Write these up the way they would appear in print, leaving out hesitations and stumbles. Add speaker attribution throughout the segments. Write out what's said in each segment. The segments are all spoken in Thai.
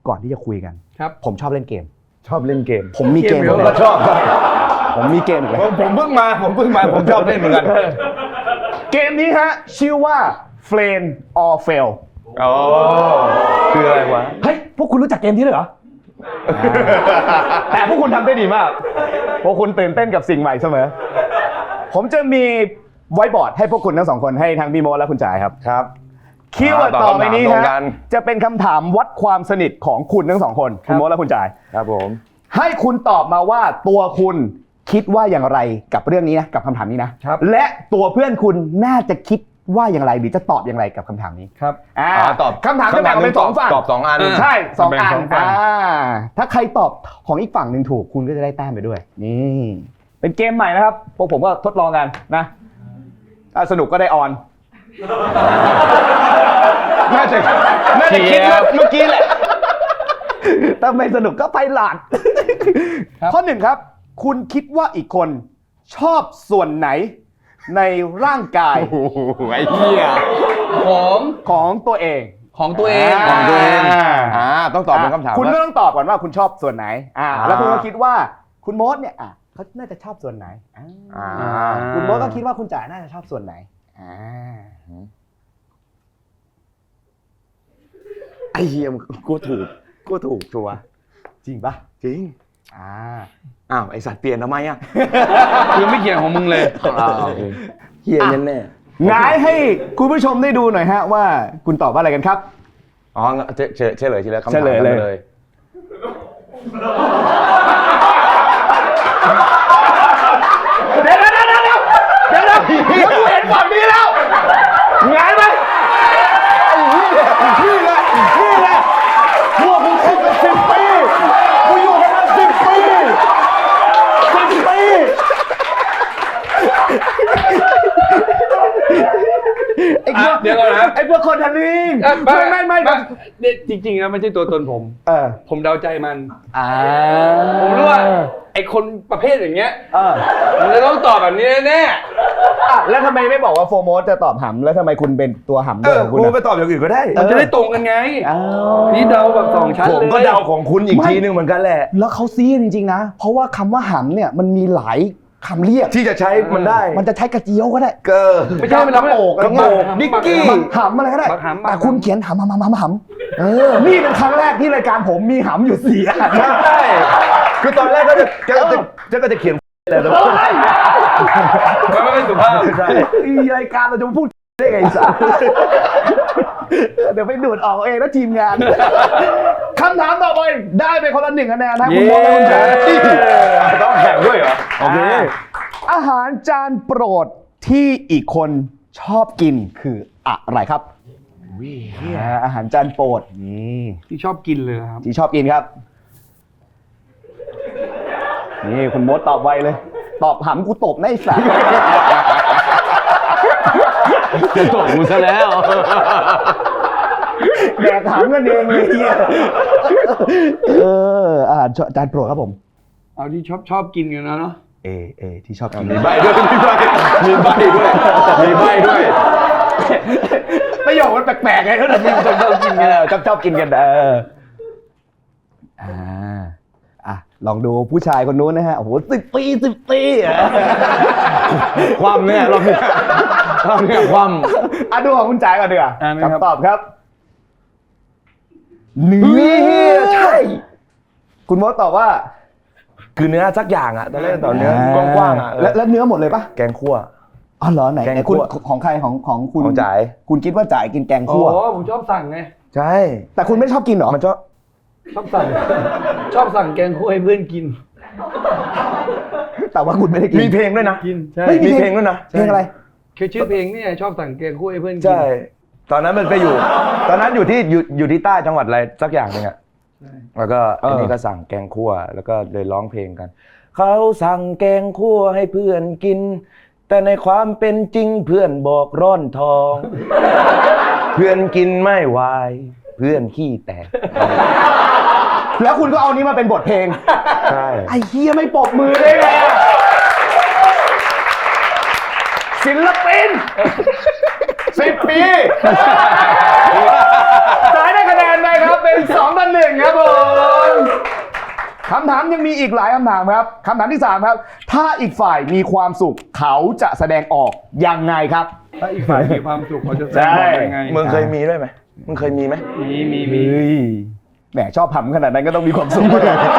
Speaker 1: ก่อนที่จะคุยกัน
Speaker 2: ครับ
Speaker 1: ผมชอบเล่นเกม
Speaker 3: ชอบเล่นเกม
Speaker 1: ผมมีเกม
Speaker 3: ก็ชอบ
Speaker 1: ผมมีเกมอีกแล้ว
Speaker 3: ผมเพิ่งมาผมชอบเล่นเหมือนกัน
Speaker 1: เกมนี้ฮะชื่อว่า Flame or Fail
Speaker 3: อ๋อคืออะไรวะ
Speaker 1: เฮ้ยพวกคุณรู้จักเกมนี้เลยเหรอ แต่พวกคุณทำได้ดีมากพวกคุณตื่นเต้นกับสิ่งใหม่เสมอผมจะมีไวท์บอร์ดให้พวกคุณทั้งสองคนให้ทั้งพี่โมและคุณจ่ายครับ
Speaker 3: ครับ
Speaker 1: คีย์เวิร์ดต่อไปนี้ฮะจะเป็นคำถามวัดความสนิทของคุณทั้งสองคนคุณโมและคุณจ่าย
Speaker 3: ครับผม
Speaker 1: ให้คุณตอบมาว่าตัวคุณคิดว่าอย่างไรกับเรื่องนี้นะกับคำถามนี้นะและตัวเพื่อนคุณน่าจะคิดว่าอย่างไรหรือจะตอบอย่างไรกับคำถามนี้
Speaker 2: ครับ
Speaker 3: ตอบ
Speaker 1: คำถามจะแบ่งเป็น2ฝั่ง
Speaker 3: ตอบ2อัน
Speaker 1: ใช่2อันถ้าใครตอบของอีกฝั่งหนึ่งถูกคุณก็จะได้แต้มไปด้วยนี่เป็นเกมใหม่นะครับพวกผมก็ทดลองกันนะถ้าสนุกก็ได้ออนน่าจะคิดว่าเมื่อกี้แหละถ้าไม่สนุกก็ไปหลาดข้อ 1ครับคุณคิดว่าอีกคนชอบส่วนไหนในร่างกาย
Speaker 3: ไอ้เหี้ย
Speaker 1: ของตัวเอง
Speaker 3: ต้องตอบเป็นคำถาม
Speaker 1: คุณก็ต้องตอบก่อนว่าคุณชอบส่วนไหนแล้วคุณก็คิดว่าคุณโมดเนี่ยเขาน่าจะชอบส่วนไหนคุณโมดก็คิดว่าคุณจ๋าน่าจะชอบส่วนไหน
Speaker 3: ไอ้เหี้ยกูถูกชัวร์
Speaker 1: จริงปะ
Speaker 3: จริงอ้าวไอสัตว์เปลี่ยนทำไมอ่ะ
Speaker 2: คือไม่เกี่ยวของมึงเลย
Speaker 3: เหี้ยแน่
Speaker 1: ๆง่ายให้คุณผู้ชมได้ดูหน่อยฮะว่าคุณตอบว่าอะไรกันครับ
Speaker 3: อ๋อเฉลยทีละคำถามเลย
Speaker 1: เดี๋ยวกูเห็นฝั่งนี้แล้วง่ายไหมนี่แหละพวกกูคบกัน10 ปีกูอยู่กันมา10 ปี
Speaker 2: เดี๋ยวก่อนนะ
Speaker 1: ไอ้พวกคนทันลิงไม่
Speaker 2: จริงๆนะไม่ใช่ตัวตนผมผมเดาใจมัน
Speaker 1: ผม
Speaker 2: รู้ว่าไอ้คนประเภทอย่างเงี้ยมันจะต้องตอบแบบนี้แน่
Speaker 1: แล้วทำไมไม่บอกว่าโฟโมสจะตอบหำแล้วทำไมคุณเป็นตัวหำด้วย
Speaker 3: คุณไปตอบอย่างอื่นก็ได้
Speaker 2: มันจะได้ตรงกันไงนี่เดาแบบ2ชั้นเลย
Speaker 3: ผมก็เดาของคุณอีกทีนึงเหมือนกันแหละ
Speaker 1: แล้วเขาซีจริงๆนะเพราะว่าคำว่าหำเนี่ยมันมีหลายคำเรียก
Speaker 3: ที่จะใช้มันได้
Speaker 1: มันจะใช้กระเจียวก็ได้
Speaker 2: ไม่ใช่มันกระโปง
Speaker 1: อะไรเงี้ยนิกกี้หำอะไรก็ได้แต่คุณเขียนหำนี่เป็นครั้งแรกที่รายการผมมีหำอยู่4 อัน
Speaker 3: ใช่คือตอนแรกก็จะเขียนอะไรแต่
Speaker 2: ไม่เป็นสุภาพ
Speaker 1: ใช่รายการเราจะพูดได้ไงสัสเดี๋ยวไปดูดออกเองแล้วทีมงานคำถามต่อไปได้ไปคนละ1 คะแนนนะคุณโมและคุณจ๋า
Speaker 3: ต้องแข่งด้วยเหรอโอเค
Speaker 1: อาหารจานโปรดที่อีกคนชอบกินคืออะไรครับอาหารจานโปรด
Speaker 2: ที่ชอบกินเลยครับ
Speaker 1: ที่ชอบกินครับนี่คุณโมตอบไวเลยตอบหำกูตบในสาย
Speaker 3: จะตบกูซะแล้ว
Speaker 1: แดกหำกันเองเลยเฮียอาหารจานโปรดครับผม
Speaker 2: เอาที่ชอบกินกันเนาะ
Speaker 1: ที่ชอบกิน
Speaker 3: มีใบด้วย
Speaker 1: ประโยคมันแปลกๆไงเขาถึงชอบกินกันชอบกินกันลองดูผู้ชายคนนู้นนะฮะโอ้โห10 ปี
Speaker 3: ความเนี่ยเราความ
Speaker 1: ดูของคุณจ่ายก่อนดีกว่าคำตอบครับเนื้อใช่คุณมดตอบว่า
Speaker 3: คือเนื้อสักอย่างตอนแรกตอนเนื้อกว้าง
Speaker 1: แล้วเนื้อหมดเลยปะ
Speaker 3: แกงคั่ว
Speaker 1: เหรอไหนคุณของใครของคุณ
Speaker 3: จ่าย
Speaker 1: คุณคิดว่าจ่ายกินแกงคั่ว
Speaker 2: ผมชอบสั่งไง
Speaker 3: ใช่
Speaker 1: แต่คุณไม่ชอบกินหรอ
Speaker 3: มันช
Speaker 2: อบสั่งแกงคั่วให้เพื่อนกิน
Speaker 1: แต่ว่าคุณไม่ได้กิน
Speaker 3: มีเพลงด้วยนะ
Speaker 2: กินใช่
Speaker 3: มีเพลงด้วยนะ
Speaker 1: เพลงอะไร
Speaker 2: คือชื่อเพลงนี่ชอบสั่งแกงคั่วให้เพื่อนกิน
Speaker 3: ใช่ตอนนั้นมันไปตอนนั้นอยู่ที่ใต้จังหวัดอะไรสักอย่างนึงแล้วก็อันนี้ก็สั่งแกงคั่วแล้วก็เลยร้องเพลงกันเขาสั่งแกงคั่วให้เพื่อนกินแต่ในความเป็นจริงเพื่อนบอกร่อนทองเพื่อนกินไม่ไหวเพื่อนขี้แตก
Speaker 1: แล้วคุณก็เอานี้มาเป็นบทเพลง
Speaker 3: ใช่
Speaker 1: ไอ้เหี้ยไม่ปรบมือได้ไงศิลปิน10 ปีจ่ายได้คะแนนไปครับเป็น2-1ครับผมคำถามยังมีอีกหลายคำถามครับคำถามที่ 3 ครับ ถ้าอีกฝ่ายมีความสุขเขาจะแสดงออกยังไงครับ
Speaker 2: ถ้าอีกฝ่ายมีความสุขเขาจะแสดงออกยังไง
Speaker 3: มึงเคยมีด้วยไหมมึงเคยมีไหม
Speaker 2: มี
Speaker 1: เฮ้ยแหมชอบทำขนาดนั้นก็ต้องมีความสุข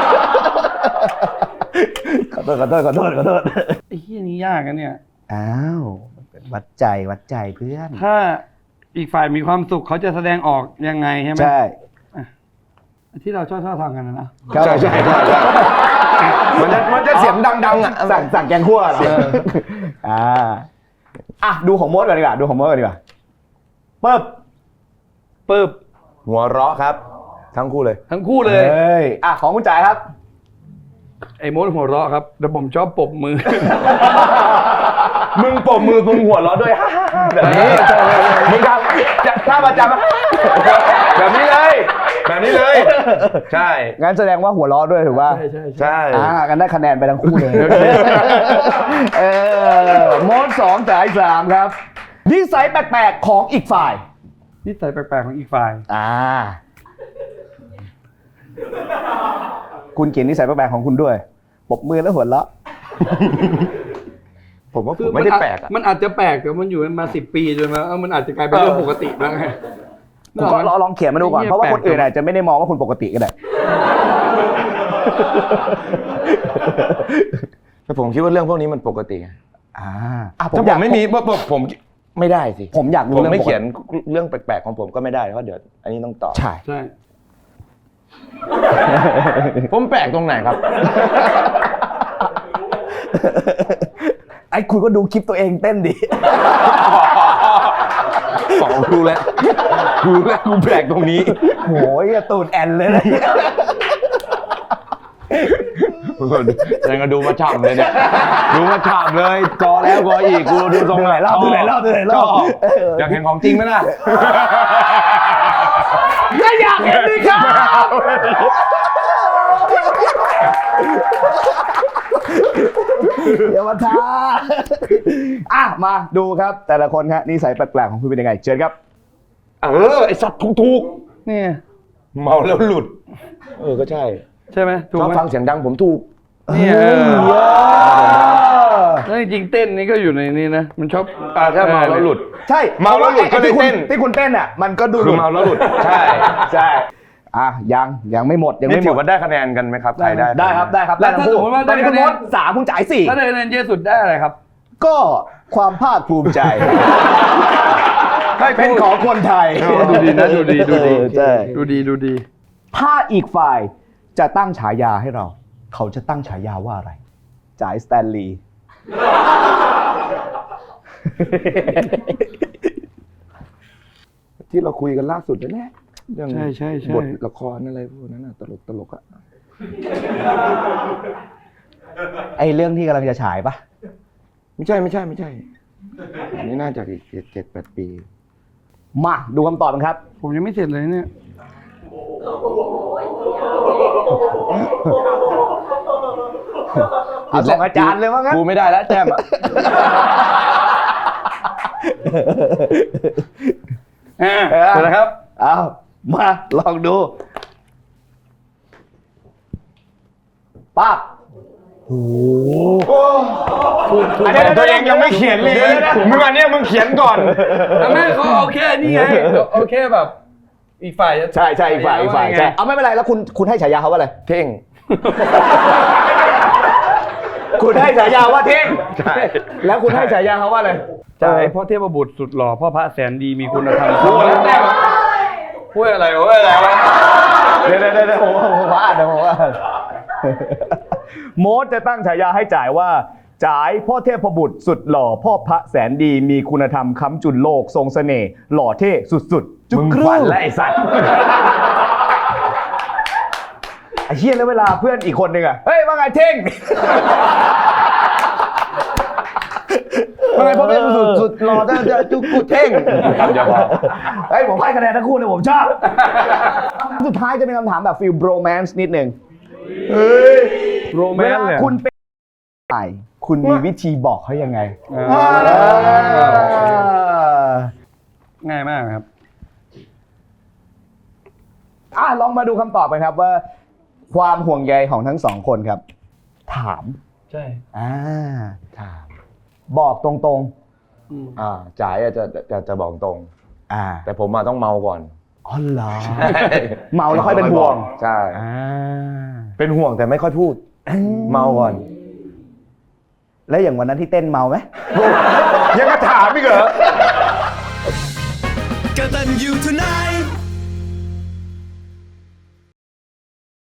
Speaker 1: ขอโทษ
Speaker 2: ไอ้เหี้ยนี้ยากนะเนี่ย
Speaker 1: อ้าววัดใจเพื่อน
Speaker 2: ถ้าอีกฝ่ายมีความสุขเขาจะแสดงออกยังไงใช่ไหม
Speaker 1: ใช่
Speaker 2: ที่เราชอบทำกันนะ
Speaker 1: ใช่
Speaker 3: มันจะเสียงดังๆอ่ะ
Speaker 1: สั่งแกงคั่วเหรออ่ะดูของมดก่อนดีกว่าปึ๊บ
Speaker 3: หัวเราะครับ ทั้งคู่เลย
Speaker 2: ทั้งคู่เลย
Speaker 1: เฮ้ยอ่ะของคุณจ๋ายครับ
Speaker 2: ไอ้มดหัวเราะครับแต่ผมชอบปรบมือ
Speaker 3: มึงปรบมือมึงหัวเราะด้วย แบบนี้มึงทำท่าประจำแบบนี้เลยใช่
Speaker 1: งั้นแสดงว่าหัวเราะด้วยถูกป่ะ
Speaker 3: ใช่
Speaker 1: กันได้คะแนนไปทั้งคู่เลยมด2จ๋าย3ครับนิสัยแปลกๆของอีกฝ่าย
Speaker 2: นิสัยแปลกๆของอีกฝ่าย
Speaker 1: คุณเขียนนิสัยแปลกๆของคุณด้วยปรบมือแล้วหัวเราะ
Speaker 3: ผมว่าผมไม่ได้แปลกอ่ะ
Speaker 2: มันอาจจะแปลกแต่มันอยู่มา10 ปีจนมามันอาจจะกลายเป็นเรื่องปกติบ้างไง
Speaker 1: ผมก็ลองเขียนมาดูก่อนเพราะว่าคนอื่นอาจจะไม่ได้มองว่าคุณปกติก็ได้
Speaker 3: แต่ผมคิดว่าเรื่องพวกนี้มันปกติไง
Speaker 1: ถ้า
Speaker 3: ถ้าผมไม่มีผมไม่ได้สิ
Speaker 1: ผมอยากรู้
Speaker 3: ผม
Speaker 1: เรื่อง
Speaker 3: ไม่
Speaker 1: ปกติ
Speaker 3: เขียนเรื่องแปลกๆของผมก็ไม่ได้เพราะเดี๋ยวอันนี้ต้องตอบ
Speaker 1: ใช่
Speaker 2: ใช่
Speaker 3: ผมแปลกตรงไหนครับ
Speaker 1: ไอ้คุณก็ดูคลิปตัวเองเต้นดิ
Speaker 3: รู้แล้วกูแปลกตรงนี้
Speaker 1: โหยตูดแอนเลยนะ
Speaker 3: ยังก็ดูมาฉ่ำเลยเนี่ยดูมาฉ่ำเลยกอแล้วกออีกกูดูตรงไหนรอบอยากเห็นของจริงไหมล่ะ
Speaker 1: ก็อยากเห็นดิครับเดี๋ยวมาท้ามาดูครับแต่ละคนครับนิสัยแปลกๆของคุณเป็นยังไงเชิญครับ
Speaker 3: ไอสัตว์ถูก
Speaker 2: นี่
Speaker 3: เมาแล้วหลุดก็ใช่
Speaker 2: ใช่ไหมถูก
Speaker 3: ชอบ
Speaker 2: ไหม
Speaker 3: ฟังเสียงดังผมถูก
Speaker 2: เนี่ยแล้วจริงๆเต้นนี่ก็อยู่ในนี้นะมันชอบ
Speaker 3: ถ้าเมาแล้วหลุด
Speaker 1: ใช่
Speaker 3: เมาแล้วหลุดก็เลยเต้น
Speaker 1: ที่คุณเต้นอ่ะมันก็ดู
Speaker 3: คือเมาแล้วหลุดใช่
Speaker 1: ยังไม่หมดยัง
Speaker 3: นี่
Speaker 1: ไม่ห
Speaker 3: ถื
Speaker 1: ม
Speaker 3: อ
Speaker 1: ด
Speaker 3: ว่าได้คะแนนกันไหมครับใครได้
Speaker 1: ได้ครับได้ทั้งคู่ตอนนี้คุณมด3คุณจ่าย4
Speaker 2: ถ้าได้คะแนนเยอะสุดได้อะไรครับ
Speaker 1: ก็ความภาคภูมิใจเป็นของคนไทย
Speaker 2: ดูดีนะดูดี
Speaker 1: ใช่
Speaker 2: ดูดี
Speaker 1: ถ้าอีกฝ่ายจะตั้งฉายาให้เรา เขาจะตั้งฉายาว่าอะไรจ่ายสแตนลีย์
Speaker 3: ที่เราคุยกันล่าสุดนั่นแหละเรื่อง
Speaker 2: ใช่
Speaker 3: บทละครอะไรพวกนั้นน่ะตลกอ่ะ
Speaker 1: ไอเรื่องที่กำลังจะฉายปะ
Speaker 3: ไม่ใช่อันนี้น่าจะอีก7-8 ปี
Speaker 1: มาดูคำตอบกันครับ
Speaker 2: ผมยังไม่เสร็จเลยเนี่ย
Speaker 1: เอาส่งอาจารย์เลยว่างั้น
Speaker 3: กูไม่ได้แล้วแจมอ่ะ
Speaker 2: เสร็จแล้วครับ
Speaker 1: เอามาลองดูปั๊บโอ้โห
Speaker 3: อันนี้ตัวเองยังไม่เขียนเลยมึงอันเนี้ยมึงเขียนก่อน
Speaker 2: ไม่เขาโอเคนี่ไงโอเคแบบอีกฝ่าย
Speaker 1: ใช่อีกฝ่ายใช่เอาไม่เป็นไรแล้วคุณให้ฉายาเขาว่าอะไร
Speaker 3: เท่ง
Speaker 1: คุณให้ฉายาว่าเท่ง
Speaker 3: ใช่
Speaker 1: แล้วคุณให้ฉายาเขาว่าอะไร
Speaker 2: จ่ายพ่อเทพบุตรสุดหล่อพ่อพระแสนดีมีคุณธรรมพูดแล้วแต้มพูดอะไรวะ
Speaker 1: เดี๋ยวผมว่าโมดจะตั้งฉายาให้จ่ายว่าจ่ายพ่อเทพบุตรสุดหล่อพ่อพระแสนดีมีคุณธรรมค้ำจุนโลกทรงเสน่ห์หล่อเท่สุดๆจุก
Speaker 3: มึง
Speaker 1: ครึ่
Speaker 3: ฝัน
Speaker 1: ง
Speaker 3: และไอสัตว์
Speaker 1: ไอ้เหี้ยแล้วเวลาเพื่อนอีกคนนึงอะเฮ้ยว่าไงเท่งว่าไงพ่อเทพบุตรสุดหล่อจะจุกกูเท่งเฮ้ยผมให้คะแนนทั้งคู่เลยผมชอบสุดท้ายจะเป็นคำถามแบบฟิลโรแมนซ์นิดนึง
Speaker 2: โรแม
Speaker 1: เวน ลา
Speaker 2: ต์เลย
Speaker 1: คุณเป็นใครคุณมีวิธีบอกเขายังไง
Speaker 2: ง่ายมากครับ
Speaker 1: ลองมาดูคำตอบกันครับว่าความห่วงใยของทั้งสองคนครับ ถาม
Speaker 2: ใช่
Speaker 1: ถาม บอกตรง
Speaker 3: จ่ายจะบอกตรง
Speaker 1: ๆ
Speaker 3: แต่ผมต้องเมาก่อน
Speaker 1: อ๋อเหรอ เมาแล้วค่อยเป็นห่วง
Speaker 3: ใช่
Speaker 1: อ่า
Speaker 3: เป็นห่วงแต่ไม่ค่อยพูด เมาก่อน
Speaker 1: แล้วอย่างวันนั้นที่เต้นเมาไหม
Speaker 3: ยังจะถามอีกเหรอ